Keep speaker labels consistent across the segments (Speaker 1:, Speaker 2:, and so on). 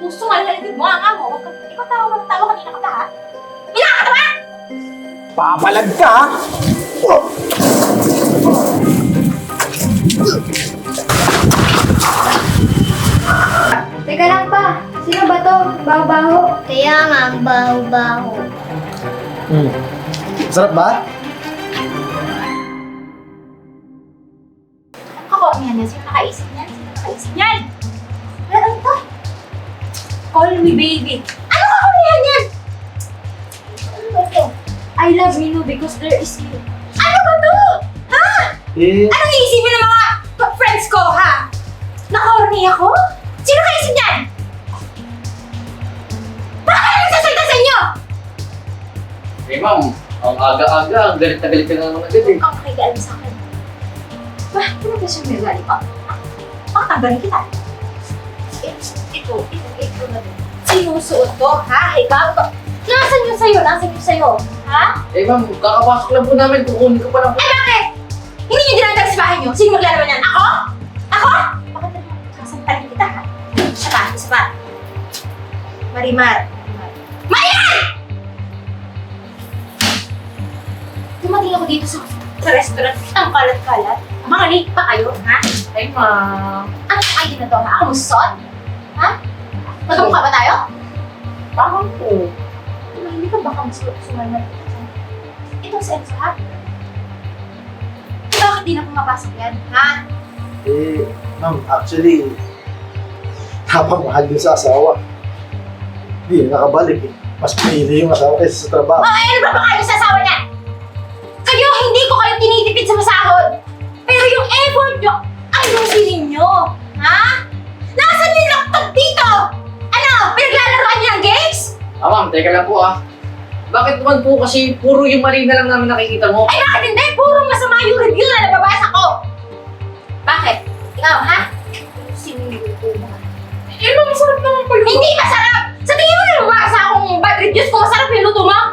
Speaker 1: Gusto nga nalaligid mo ang mo. Huwag ka, ikaw tawa kanina ka ba, ha? Kailangan ka ba?
Speaker 2: Papalag ka, ha? Oh.
Speaker 3: Teka lang pa, sino ba to? Baho-baho.
Speaker 4: Kaya nga, ang baho-baho.
Speaker 2: Sarap ba?
Speaker 1: Ako, yan. Sino nakaisip niyan? Sino nakaisip niyan? Ano to? Call me baby. Ano ka kulihan yan? Ano ba to? I love you because there is you. Ano ba to? Ha? Anong iisipin ng mga friends ko, ha? Na-horny ako? Sino kaisip niyan? Bakit kayo nagsasalita sa inyo?
Speaker 5: Eh ma'am, ang aga-aga, ang galit na galit ka na naman agad eh.
Speaker 1: Ang makigalan sa akin. Ba, ano ba siya may galit pa? Makatanggalin kita. Ito na din. Sinusuot to, ha? Ikaw to. Nasaan yun sa'yo? Nasaan yun sa'yo? Ha?
Speaker 5: Eh ma'am, kakapasok lang po namin, kukunin ko pa lang.
Speaker 1: Ay, bakit? Hindi nyo dinadala sa bahay nyo? Sino maglalaman yan? Ako? Ako? Bakit naman sasampalin kita, ha? Isa pa. Marimar. Mayan! Dumating ako dito sa restaurant. Ang kalat-kalat. Mga late pa kayo, ha?
Speaker 5: Ay ma'am.
Speaker 1: Ano ang ID na to, ha? Ako musot? Ha? Magkamukha ba tayo?
Speaker 5: Parang po.
Speaker 1: Hindi ka baka sumalat. Ito si Enzo, ha? Bakit di na pumapasok yan, ha?
Speaker 2: Ma'am, actually, napamahal yun sa asawa. Hindi, nakabalik eh. Mas pinili yung asawa kaysa sa trabaho.
Speaker 1: Oh, ano ba kayo sa asawa niya? Kayo, hindi ko kayo tinitipid sa masahod. Pero yung effort nyo, ayusin ninyo. Ha? Nasaan yung laptop dito? Ano? Pinaglalaroan niyo ng games?
Speaker 5: Ah ma'am, teka lang po ah. Bakit naman po kasi puro yung mali na lang namin nakikita mo?
Speaker 1: Ay, bakit hindi? Puro masama yung review na nababasa ko. Bakit? Ikaw, ha? Sinuluto mo.
Speaker 5: Eh ma'am, masarap naman po yun.
Speaker 1: Hindi masarap! Sa tingin mo na nababasa akong bad reviews kung masarap yung luto mo?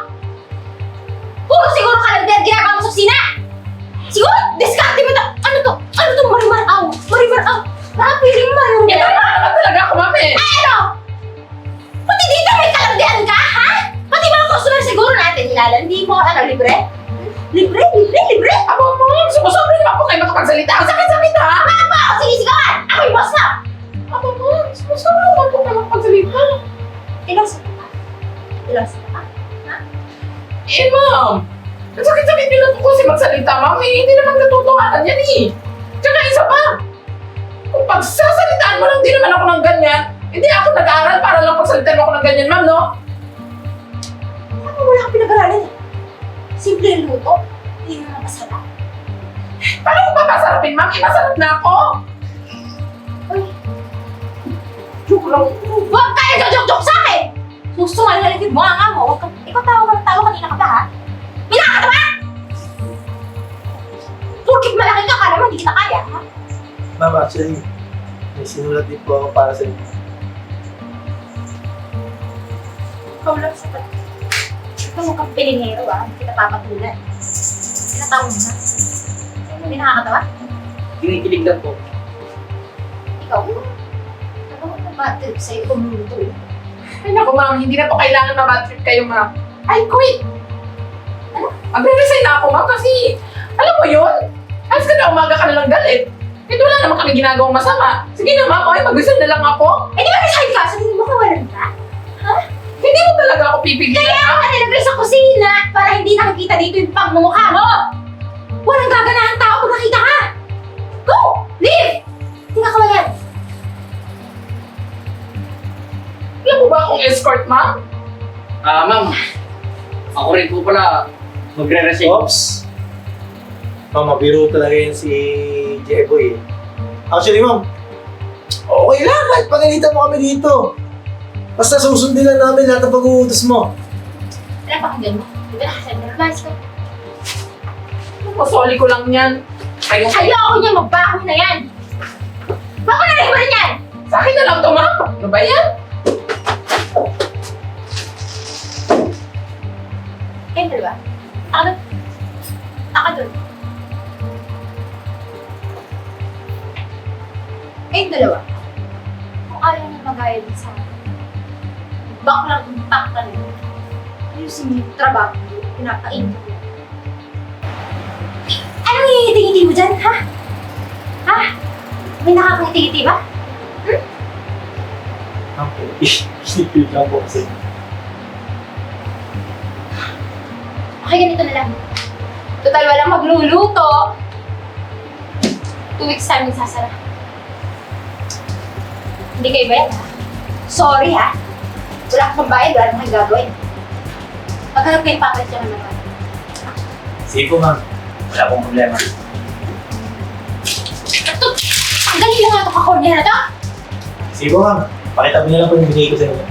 Speaker 1: Puro siguro ka lang din ginagawa mo sa kusina! Siguro, diskarte mo to! Ano to? Ano to? Marimar-aw! Marimar-aw! Nakapiling mo!
Speaker 5: Eh tama naman talaga ako ma'am eh.
Speaker 1: Ay, ano? Pati dito may kalandian ka, ha? Pati mga customer siguro natin nilalandi mo. Ano, libre? Libre?
Speaker 5: Aba ma'am, sumusobra naman po kayo makapagsalita. Ang sakit-sakit ha.
Speaker 1: Bakit mo ako sinisigawan? Ako yung boss na!
Speaker 5: Aba ma'am, sumusobra naman po kayo makapagsalita.
Speaker 1: Ilang sa ka? Ilang sa ka?
Speaker 5: Eh ma'am, ang sakit-sakit nyo lang po kasi magsalita ma'am eh. Hindi naman natutuhanan yan eh. Tsaka isa pa, kung pagsasalitaan mo lang di naman ako ng ganyan, hindi ako nag-aaral para lang pagsalitaan mo ako ng ganyan ma'am, no?
Speaker 1: Ano wala kang pinag-aralan eh? Simple yung luto. Hindi naman masarap.
Speaker 5: Paano ko papasarapin ma'am? Masarap na ako.
Speaker 1: Uy,
Speaker 5: Joke lang.
Speaker 1: huwag kayo joke-joke sa akin! Gusto nga nalaligid mo ang mo. Huwag ka, ikaw tawa kanina ka ba, ha? Kailangan ka ba? Porkit malaki ka, kala mo hindi kita kaya, ha?
Speaker 2: Ma'am, actually, may sinulat din po ako para sa inyo.
Speaker 1: Ikaw lang sa pati. Ikaw mukhang pilinero, ha? Hindi kita papatulan. Pinatawa mo, ha? Hindi nakakatawa?
Speaker 5: Kinikilig lang po.
Speaker 1: Ikaw, ano ko na bad trip sa'yo kung luluto, eh?
Speaker 5: Ay naku ma'am, hindi na po kailangan ma-bad trip kayo ma'am. I quit!
Speaker 1: Ano?
Speaker 5: Magre-resign na ako ma'am kasi, alam mo yun? Alas ka na umaga ka nalang galit. Ito wala naman kami ginagawang masama. Sige na ma'am, okay, mag-resign na lang ako.
Speaker 1: Eh, di ba resign ka? Sa tingin mo kawalan ka?
Speaker 5: Hindi mo talaga ako pipigilan.
Speaker 1: Kaya ka nilagay sa kusina para hindi nakikita dito yung pagmumukha mo! Walang gaganahan tao pag nakita ka! Go! Leave! Hindi ka kawalan.
Speaker 5: Alam mo ba akong escort ma'am? Ah ma'am, ako rin po pala magre-resign.
Speaker 2: Oops! Ma'am, mabiro talaga yun si Jeboy eh. Actually, ma'am, okay lang kahit pagalitan mo kami dito. Basta susundin lang namin lahat ng pag-uutos mo.
Speaker 1: Alam pa kung mo. Di ba nakasabi na advice ko?
Speaker 5: Pasoli ko lang yan. Ayun,
Speaker 1: Ayoko niya, magbaho na yan! Bako na rin mo rin yan!
Speaker 5: sa akin na lang to ma'am. Ano ba yan?
Speaker 1: Kayong dalawa? Ako doon. Ako doon. Kayong dalawa. Kung ayaw niyo magaya din sa akin, baklang impact na rin. Ayusin mo yung trabaho mo, pinapain mo. Anong ngingiti-ngiti mo dyan, ha? Ha? May nakakangiti-ngiti ba?
Speaker 2: Ako, isipin lang po kasi.
Speaker 1: Okay, ganito na lang. Total, walang magluluto. 2 weeks time magsasara. Hindi kayo bayad, ha? Sorry, ha? Wala kang bayad, wala kang gagawin. Maghanap kayo papalit dyan naman.
Speaker 2: Sige po, ma'am. Wala pong problema.
Speaker 1: Ito, tanggalin lang nga ito kakorniya na to.
Speaker 2: Sige po, ma'am. Pakita mo na lang po yung binigay ko sa inyo.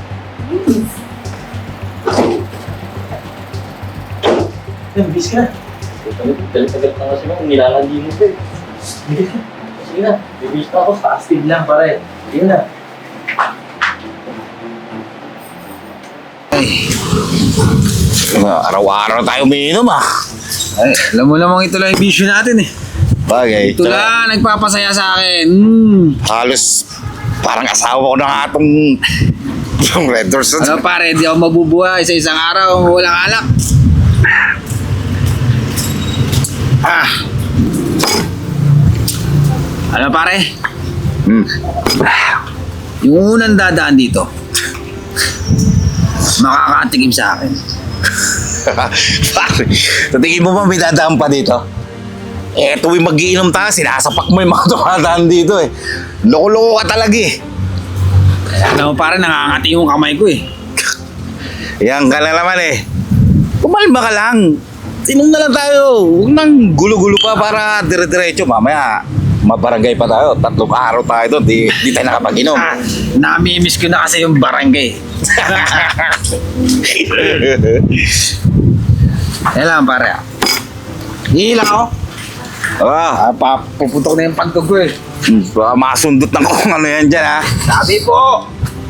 Speaker 2: Yan, bis ka na.
Speaker 6: Tagal-tagal na kasi mo, nilalandi mo pa eh.
Speaker 2: Bis ka.
Speaker 6: Sige na, bibis na ako.
Speaker 2: Fasted lang, pare. Sige na.
Speaker 7: Araw-araw tayo umiinom ah.
Speaker 8: Ay, alam mo namang ito lang yung bisyo natin eh.
Speaker 7: Bagay.
Speaker 8: Ito lang, nagpapasaya sa akin.
Speaker 7: Halos parang asawa ko na nga itong yung Red Doors.
Speaker 8: Ano pare, di ako mabubuhay sa isang araw walang alak. Ah. Ano pare? Yung unang dadaan dito, makakatikim sa akin.
Speaker 7: Pare, sa tingin mo ba may dadaan pa dito? Eh, tuwing mag-iinom tayo, sinasapak mo yung mga dumadaan dito eh. Loko-loko ka talaga eh.
Speaker 8: Alam mo pare, nangangati yung kamay ko eh.
Speaker 7: Yan ka na naman eh. Kumalma ka lang. Inom na lang tayo. Huwag nang gulo-gulo pa para dire-diretso. Mamaya, mabarangay pa tayo. 3 araw tayo doon. Di tayo nakapag-inom.
Speaker 8: Namimiss ko na kasi yung barangay. Yan lang pare. Hihila ako. Puputok na yung pagkog ko eh.
Speaker 7: Baka masundot ng kung ano yan dyan ha.
Speaker 8: Sabi po.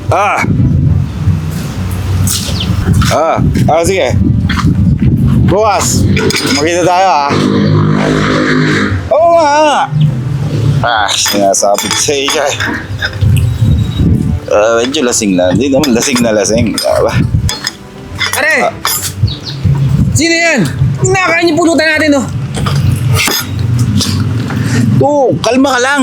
Speaker 7: Sige. Bukas, makita tayo ha. Oo nga. Sinasabi ko sa iyo eh. Medyo lasing lang. Hindi naman lasing na lasing. Diba?
Speaker 8: Pare! Sino yan? Nakakain yung pulutan natin oh.
Speaker 7: Kalma ka lang.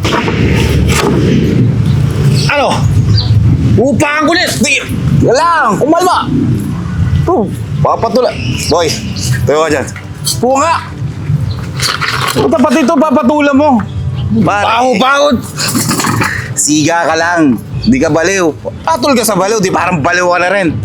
Speaker 8: Ano? Upakan ko ulit.
Speaker 7: Yan lang, kumalma. Papatula. Boy, tayo ka dyan. Punga. Puta pati ito, papatula mo.
Speaker 8: Baho-bahod.
Speaker 7: Siga ka lang. Di ka baliw. Patol ka sa baliw, di parang baliw ka na rin.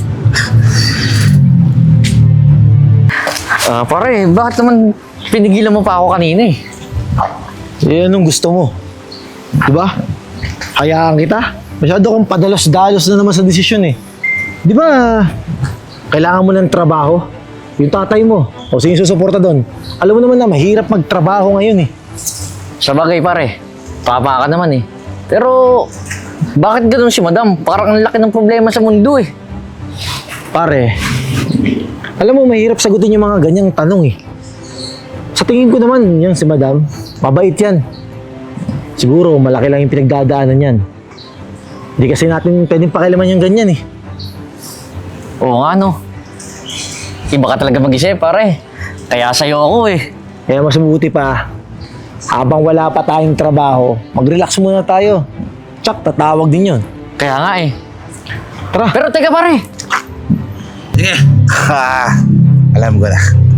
Speaker 6: Pare, bakit naman pinigilan mo pa ako kanina eh?
Speaker 2: Eh, anong gusto mo? Diba? Hayaan kita. Masyado kang padalos-dalos na naman sa desisyon eh. Di ba, kailangan mo ng trabaho? Yung tatay mo, o sino susuporta doon? Alam mo naman na mahirap magtrabaho ngayon eh.
Speaker 6: Sa bagay pare, papa ka naman eh. Pero, bakit ganun si madam? Parang ang laki ng problema sa mundo eh.
Speaker 2: Pare, alam mo mahirap sagutin yung mga ganyang tanong eh. Sa tingin ko naman, yan si madam, mabait yan. Siguro, malaki lang yung pinagdadaanan yan. Hindi kasi natin pwedeng pakialaman yung ganyan eh.
Speaker 6: Oo nga no. Iba ka talaga mag-isip pare. Kaya sa'yo ako eh.
Speaker 2: Kaya mas mabuti pa, habang wala pa tayong trabaho, mag-relax muna tayo. Tsak, tatawag din yun.
Speaker 6: Kaya nga eh.
Speaker 2: Tara.
Speaker 6: Pero teka pare.
Speaker 8: Sige.
Speaker 7: Alam ko na.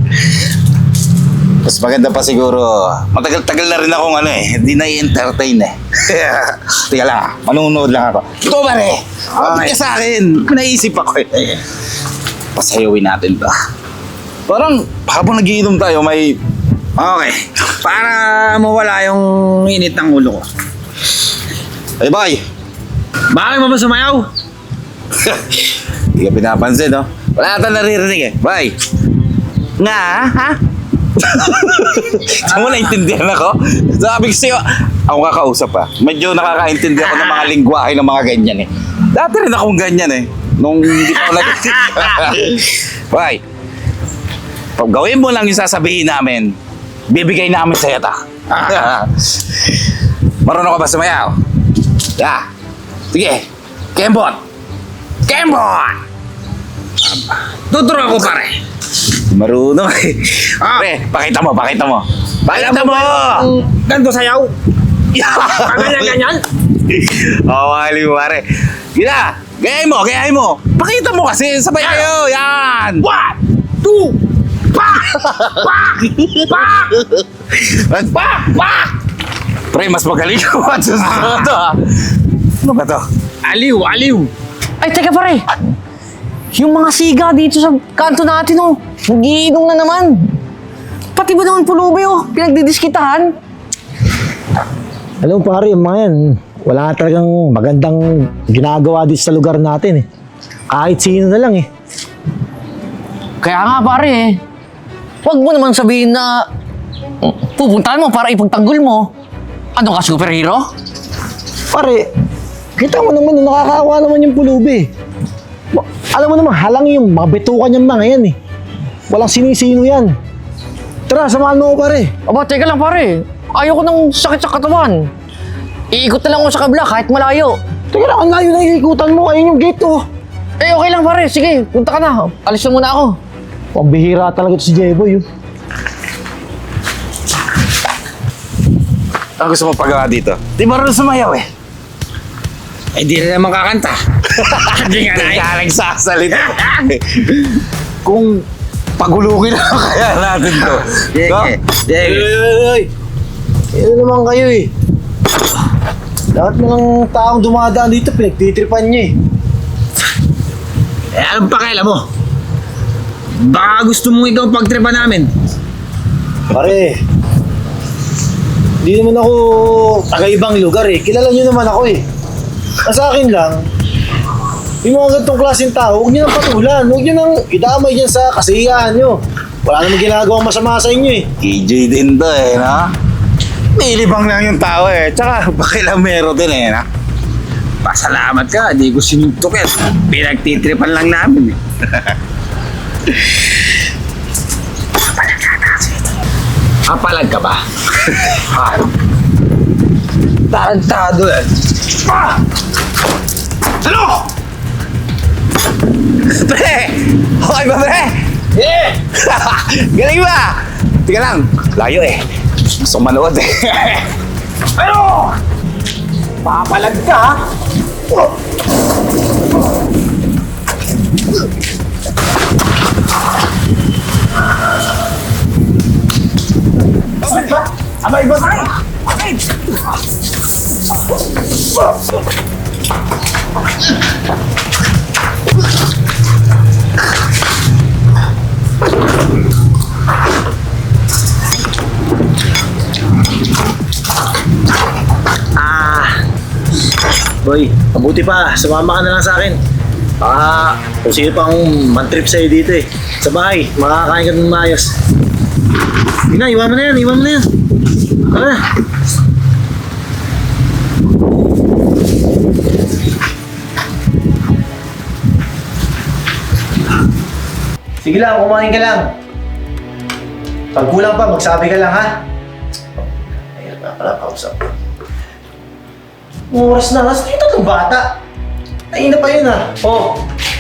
Speaker 7: Mas maganda pa siguro, matagal-tagal na rin akong hindi na-entertain eh. Teka lang, manunood lang ako. Ito ba rin? Bakit ka sa akin? Naisip ako eh. Pasayawin natin to. Parang habang nagiinom tayo, may...
Speaker 8: Okay. Para mawala yung init ng ulo ko.
Speaker 7: Ay, bye!
Speaker 8: Bakit mo ba sumayaw?
Speaker 7: Hindi ka pinapansin, no? Wala ata naririnig eh. Bye! Nga, ha? Saan mo naintindihan ako? Sabi ko sa'yo, ako kakausap pa. Medyo nakakaintindi ako ng mga lingwahe ng mga ganyan eh. Dati rin akong ganyan eh. Nung hindi pa ako Bye! Pag gawin mo lang yung sasabihin namin, bibigay namin sa'yo ta. Marunong ka ba sumayaw? Yeah. Sige, Kembot!
Speaker 8: Kembo! Tuturo ako, pare.
Speaker 7: Marunong eh. Pre, pakita mo. Pakita mo!
Speaker 8: Ganto sayaw. Ganyan.
Speaker 7: Oo, aliw pare. Yun na! Gayahin mo! Pakita mo kasi, sabay kayo! Yan!
Speaker 8: 1, 2, pak!
Speaker 7: Pre, mas magaling ko at susunod to ha. Ano ba to?
Speaker 8: Aliw.
Speaker 6: Ay, teka pare. Yung mga siga dito sa kanto natin, oh. Nagiinom na naman. Pati ba naman pulubi, oh. Pinagdidiskitahan.
Speaker 2: Alam mo pare, yung mga yan, wala talagang magandang ginagawa dito sa lugar natin eh. Kahit sino na lang eh.
Speaker 6: Kaya nga pare, eh. Huwag mo naman sabihin na pupuntahan mo para ipagtanggol mo. Ano ka, superhero?
Speaker 2: Pare, kita mo naman, nakakaawa naman yung pulubi. Alam mo naman, halang yung mga betukan yung mga yan eh. Walang sinisino yan. Tara, samahan mo ko pare.
Speaker 6: Aba, teka lang pare. Ayoko ng sakit sa katawan. Iikot na lang ako sa kabla kahit malayo.
Speaker 2: Teka lang, ang layo na iikutan mo. Ayun yung gate oh.
Speaker 6: Eh, okay lang pare. Sige, punta ka na. Alis na muna ako.
Speaker 2: Pambihira talaga ito si Jeboy.
Speaker 7: Ang gusto mo pagawa dito? Di marunong sumayaw eh.
Speaker 8: Eh, di na naman kakanta. Hindi nga na.
Speaker 7: Kaya nagsasalita. Kung pagulukin na kaya natin to.
Speaker 2: Ay! Ano naman kayo eh. Lahat ng taong dumadaan dito, pinagtitripan niya eh.
Speaker 8: Eh, anong pakialam mo? Baka gusto mong ikaw pagtripa namin.
Speaker 2: Pare, di naman ako taga-ibang lugar eh. Kilala niyo naman ako eh. Sa akin lang, yung mga ganitong klaseng tao, huwag niyo nang patulan. Huwag niyo nang idamay dyan sa kasiyahan niyo. Wala namang ginagawang masama sa inyo eh.
Speaker 7: KJ din to eh, no? Nilibang lang yung tao eh. Tsaka bakilamero din eh, no?
Speaker 8: Pasalamat ka, di ko sinuntukin. Pinagtitripan lang namin eh. Papalag ka ba? Tarantado eh.
Speaker 7: Ano? Pre! Okay ba, pre?
Speaker 8: Eh!
Speaker 7: Galing ba? Tika lang, layo eh. Gusto kong manood eh.
Speaker 8: Ano? Papalag ka ha?
Speaker 2: Abay ba tayo? Boy, mabuti pa, sumama ka na lang sa akin. Baka kung sino pang man-trip sa'yo dito eh. Sa bahay, makakain ka ng maayos. Hindi na, iwan mo na yan. Tara na. Sige lang, kumain ka lang. Pag kulang pa, magsabi ka lang ha. Ayun na pala, kausap. Oras na, nasa ito ng bata. Ay na pa yun ha. Oh.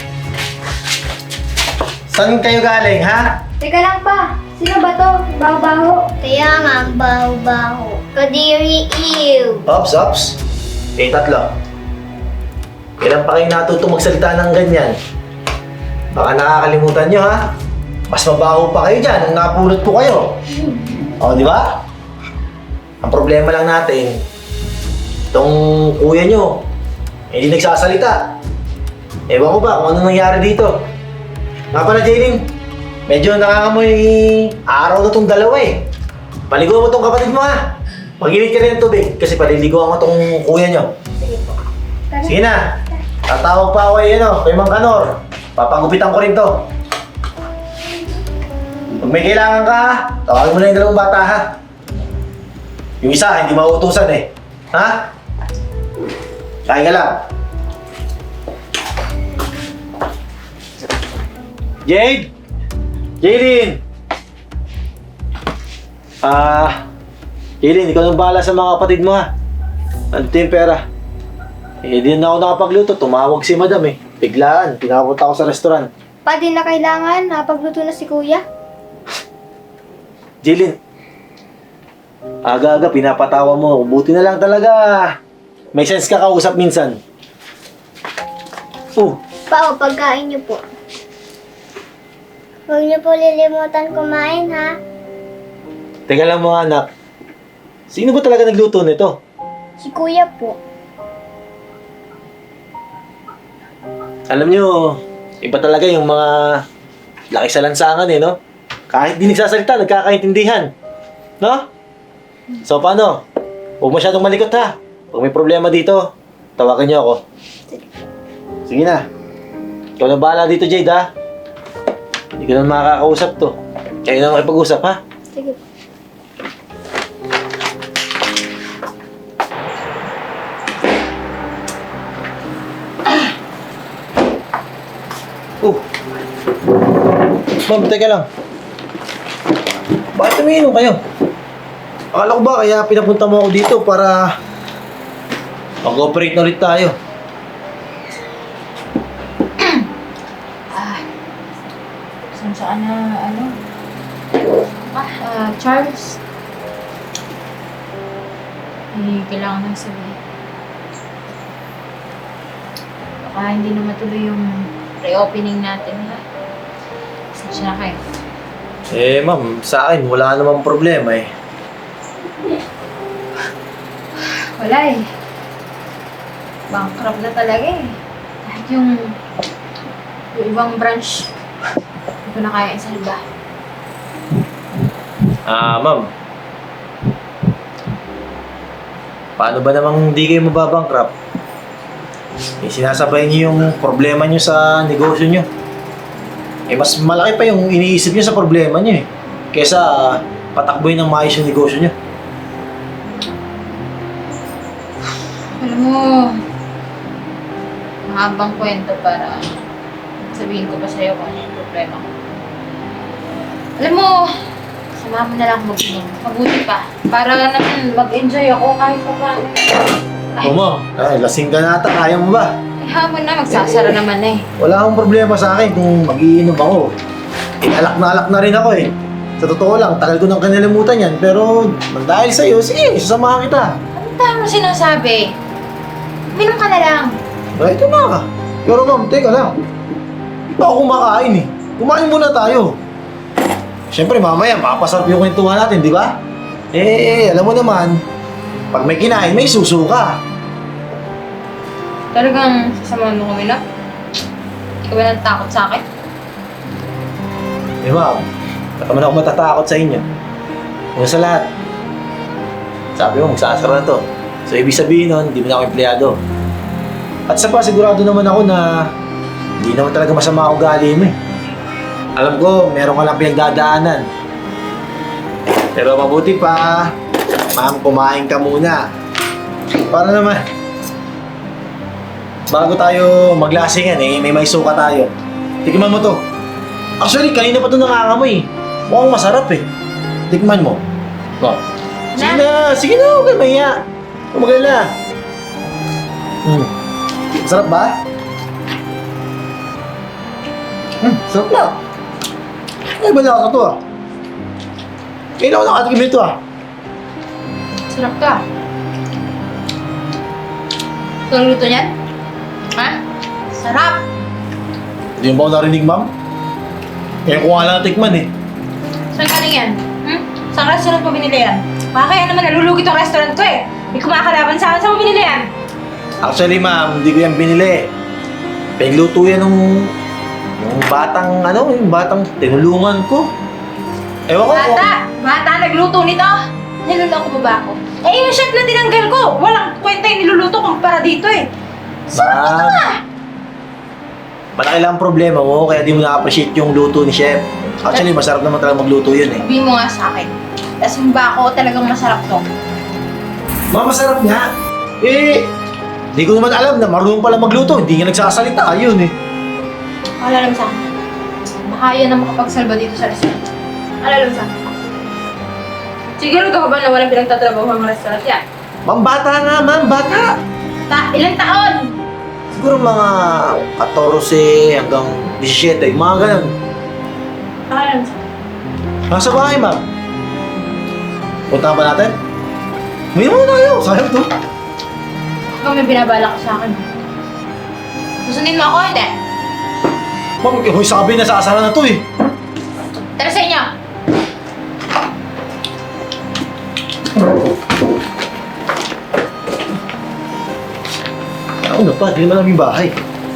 Speaker 2: Saan kayo galing ha?
Speaker 3: Teka lang pa. Sino ba to? Baho-baho.
Speaker 4: Kaya nga, baho-baho. Kadiri, ew.
Speaker 2: Ops. Tatlo. Kailan pa kayo natuto magsalita ng ganyan? Baka nakakalimutan nyo ha? Mas mabaho pa kayo dyan nung napulot ko kayo. O, di ba? Ang problema lang natin, itong kuya nyo, hindi nagsasalita. Ewan ko ba kung ano nangyari dito. Nga pala, Jaylin, medyo nakakamoy araw na tong dalawa eh. Paligo mo tong kapatid mo ha. Mag-init ka rin ng tubig kasi paliliguan mo tong kuya nyo.
Speaker 3: Sige po. Tara.
Speaker 2: Sige na. Tatawag pa ako kay Mang Kanor. Papagupitan ko rin to. Pag may kailangan ka, tawagin mo na yung dalawang bata ha. Yung isa, hindi mauutusan eh. Ha? Kain ka lang. Jade! Jaylin! Jaylin, ikaw nang bahala sa mga kapatid mo ha. Ano yung pera? Eh, di na ako nakapagluto. Tumawag si madam eh. Biglaan, pinapunta ako sa restaurant.
Speaker 3: Pa, di na kailangan. Napagluto na si kuya.
Speaker 2: Jilin, aga-aga pinapatawa mo. Buti na lang talaga. May sense ka kausap minsan. Oh,
Speaker 4: Pa, pagkain niyo po. Huwag niyo po lilimutan kumain, ha?
Speaker 2: teka lang mga anak. Sino ba talaga nagluto nito?
Speaker 4: Si kuya po.
Speaker 2: Alam nyo, iba talaga yung mga laki sa lansangan eh, no? Kahit di nagsasalita, nagkakaintindihan. No? So, paano? Huwag masyadong malikot ha. Pag may problema dito, tawagan nyo ako. Sige na. Ikaw na bahala dito, Jade, ha? Hindi ko na makakausap to. Kayo na makipag-usap, ha?
Speaker 3: Sige po.
Speaker 2: Oh. Ma'am, teka lang. Bakit umiinom kayo? Akala ko ba kaya pinapunta mo ako dito para mag-operate na ulit tayo?
Speaker 1: Saan na, Charles. Kailangan nang sabihin. Baka hindi na matuloy yung reopening natin, ha? Saan na kayo?
Speaker 2: Eh, ma'am, sa akin wala namang problema eh.
Speaker 1: Wala eh. Bankrupt na talaga eh. Kahit yung ibang branch, hindi ko na kaya isalba.
Speaker 2: Ma'am. Paano ba namang hindi kayo mababankrupt? Eh, sinasabay niyo yung problema niyo sa negosyo niyo. Eh, mas malaki pa yung iniisip niyo sa problema niyo eh. Kesa patakboy ng maayos yung negosyo niyo.
Speaker 1: Alam mo, mahabang kwento para sabihin ko pa sa'yo kung ano yung problema ko. Alam mo, samahan mo na lang mag-inom. Mabuti pa. Para naman mag-enjoy ako kahit pa paano.
Speaker 2: Oo, ma'am. Ay, lasing ka na ata. Kaya mo ba?
Speaker 1: Eh, hamon na. Magsasara naman eh.
Speaker 2: Wala akong problema sa akin kung mag-iinom ako. Eh, alak na rin ako eh. Sa totoo lang, tagal ko nang kanilimutan yan. Pero dahil sa'yo, sige, sasamahan kita.
Speaker 1: Ano tama mo sinasabi? Minom ka na lang.
Speaker 2: Ay, ito na. Pero ma'am, teka lang. Hindi pa ako kumakain eh. Kumain muna tayo. Siyempre, mamaya, makapasarap yung kwentuhan natin, di ba? Eh, alam mo naman, pag may kinain, may susuka.
Speaker 1: Talagang sasamahan mo kami na? Hindi ka ba natakot sa akin?
Speaker 2: Eh, ma'am, baka man ako matatakot sa inyo. Una sa lahat, sabi mo, magsasara na to. So, ibig sabihin nun, hindi mo na ako empleyado. At sa pa, sigurado naman ako na hindi naman talaga masama ang ugali mo eh. Alam ko, meron ka lang pinagdadaanan. Pero mabuti pa, ma'am, kumain ka muna. Para naman, bago tayo maglasingan eh, may suka tayo. Tikman mo to. Actually, kanina pa ito nangangamoy eh. Mukhang masarap eh. Tikman mo. Oh. Sige na, huwag kayo mahiya. Kumagalala. Masarap ba? Sarap na. Ay, ba na to ah? Kailan ko nakatikim nito ah?
Speaker 1: Sarap ka. Ito ang luto niyan? Ha? Sarap!
Speaker 2: Hindi mo ba ako narinig, ma'am? Kaya ko nga lang natikman eh.
Speaker 1: Saan galing yan? Saan restaurant mo binili yan? Baka kaya naman nalulugi tong restaurant ko eh. May kumakalaban sa akin. Saan mo binili yan?
Speaker 2: Actually, ma'am, hindi ko yan binili. Pinagluto yan nung yung batang tinulungan ko. Ewan ko.
Speaker 1: Bata, nagluto nito. Niloloko mo ba ako? Eh, yung chef na tinanggal ko. Walang kwenta yung niluluto kumpara dito eh. Sarap ito ah!
Speaker 2: Malaki lang ang problema mo, kaya di mo na-appreciate yung luto ni chef. Actually, masarap naman talaga magluto yun eh.
Speaker 1: Sabihin mo nga sa akin. Tapos yung bako, talagang masarap to.
Speaker 2: Ma'am, masarap nga. Eh, di ko naman alam na marunong pala magluto. Hindi nga nagsasalita. Ayun eh.
Speaker 1: Alala mo sa akin. Baka yan ang makapagsalba dito sa restaurant. Alala mo sa akin. Siguro ka ba na walang pinagtatrabaho ang restaurant yan?
Speaker 2: Ma'am, bata nga, ma'am. Bata.
Speaker 1: Ilang taon?
Speaker 2: Siguro mga 14 hanggang 17, mga ganun.
Speaker 1: Ayun.
Speaker 2: Nasa bahay, ma'am. Punta ba natin? May mo tayo, sayang to.
Speaker 1: Ikaw may binabala ka sa akin. Susundin mo ako, hindi.
Speaker 2: Ma'am, hoy, sabi na sa asara na to eh.
Speaker 1: Tara sa inyo.
Speaker 2: Ano pa, di naman namin bahay.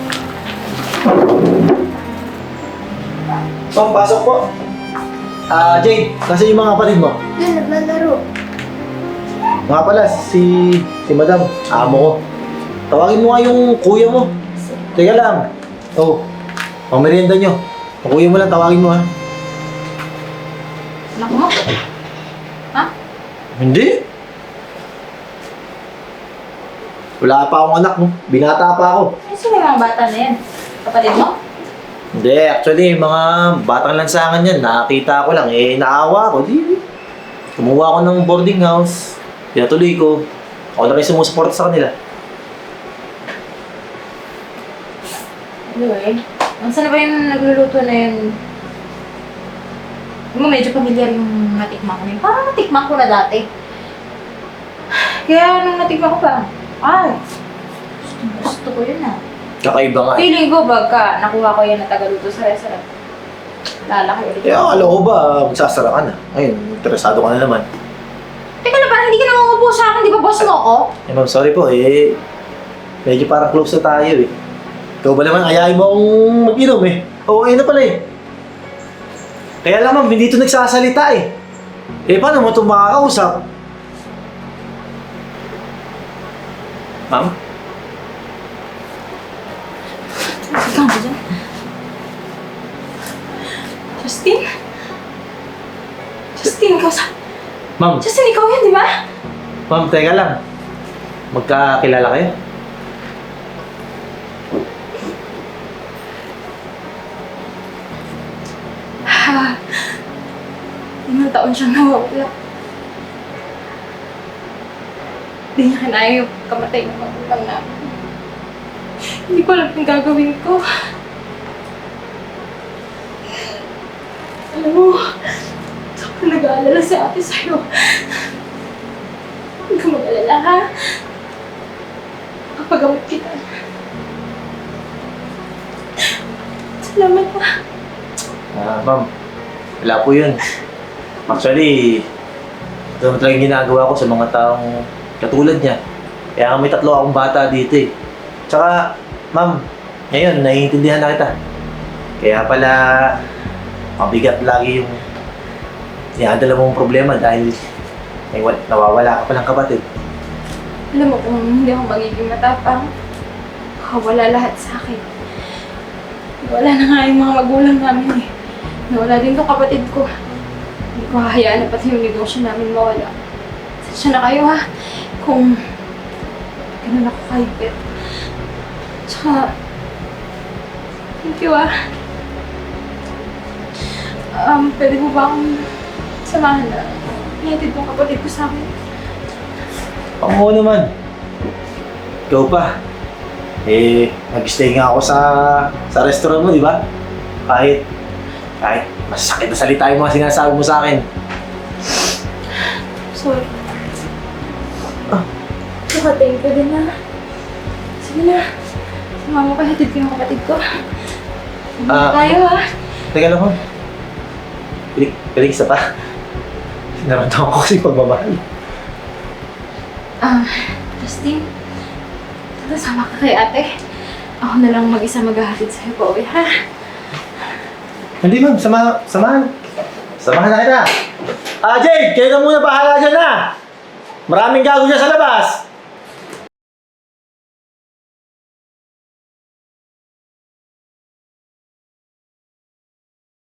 Speaker 2: Ma'am, pasok po. Jade, nasa yung mga kapatid mo?
Speaker 3: Yan, naglalaro.
Speaker 2: Nga pala, si madam, amo ko. Tawagin mo nga yung kuya mo. Teka lang. Oh, pang merienda nyo. Ang kuya mo lang, tawagin mo ha.
Speaker 1: Anak mo? Ha?
Speaker 2: Hindi. Wala pa akong anak, no? Binata pa ako.
Speaker 1: Ano sila yung mga bata na yan? Kapatid mo?
Speaker 2: Hindi, actually, mga batang lansangan yan. Nakakita ko lang, naawa ko. Di, kumuha ako ng boarding house. Pinatuloy ko. Ako na rin sumusuporta sa kanila.
Speaker 1: Anyway, saan na ba yung nagluluto na yun? Yung medyo pamilyar yung natikman ko na yun. Parang natikman ko na dati. Kaya nung natikman ko pa, ay, gusto ko yun ah.
Speaker 2: Kakaiba nga.
Speaker 1: Feeling ko pagka nakuha ko yan na tagaluto sa restaurant, lalaki ulit.
Speaker 2: Kaya akala ko ba, magsasara ka na. Ayun, interesado ka na naman.
Speaker 1: Teka lang, parang hindi ka nangungupo sa akin, di ba boss mo ako?
Speaker 2: Ma'am, sorry po, medyo parang close na tayo eh. Ikaw ba naman, ayayin mo akong mag-inom eh. Oo, ayun na pala eh. Kaya lang ma'am, hindi ito nagsasalita eh. Paano mo ito makakausap? Ma'am?
Speaker 1: Ikaw ba dyan? Justin? Justin, ikaw sa...
Speaker 2: Ma'am,
Speaker 1: Justin, ikaw yan, di ba?
Speaker 2: ma'am, teka lang. Magkakilala kayo?
Speaker 1: Limang taon siyang nawawala. Hindi niya kinaya yung kamatay ng magulang namin. Hindi ko alam yung gagawin ko. Alam mo, sobrang nag-aalala si ate sa'yo. Huwag ka mag-alala, ha? Kapagamot kita. Salamat, ha?
Speaker 2: Ma'am, wala po yun. Actually, ito naman talagang ginagawa ko sa mga taong katulad niya. Kaya nga may 3 akong bata dito eh. Tsaka, ma'am, ngayon, naiintindihan na kita. Kaya pala, mabigat lagi yung iadala mong problema dahil nawawala ka palang kapatid.
Speaker 1: Alam mo kung hindi ako magiging matapang, wala lahat sa akin. Wala na nga yung mga magulang namin eh. Nawala din tong kapatid ko. Hindi ko hahayaan na pati yung negosyo namin mawala. Sensya na kayo ha, kung ganun ako kahigpit. Tsaka, thank you ah. Pwede mo ba akong samahan na ihatid tong kapatid ko sa akin?
Speaker 2: Oo naman. Ikaw pa. Nag-stay nga ako sa restaurant mo, di ba? Kahit masasakit na salita yung mga sinasabi mo sa akin.
Speaker 1: Sorry. Saka thank you din na. Sige na. Sumama ka, hatid ko yung kapatid ko. Tayo ha.
Speaker 2: Teka lang, pilig isa pa. Naramdaman ko kasi pagmamahal.
Speaker 1: Justin, tara sama ka kay ate. Ako na lang mag-isa maghahatid sa'yo pa uwi, ha?
Speaker 2: Hindi ma'am, samahan na kita. Jade, kayo na muna bahala dyan na. Maraming gago dyan sa labas.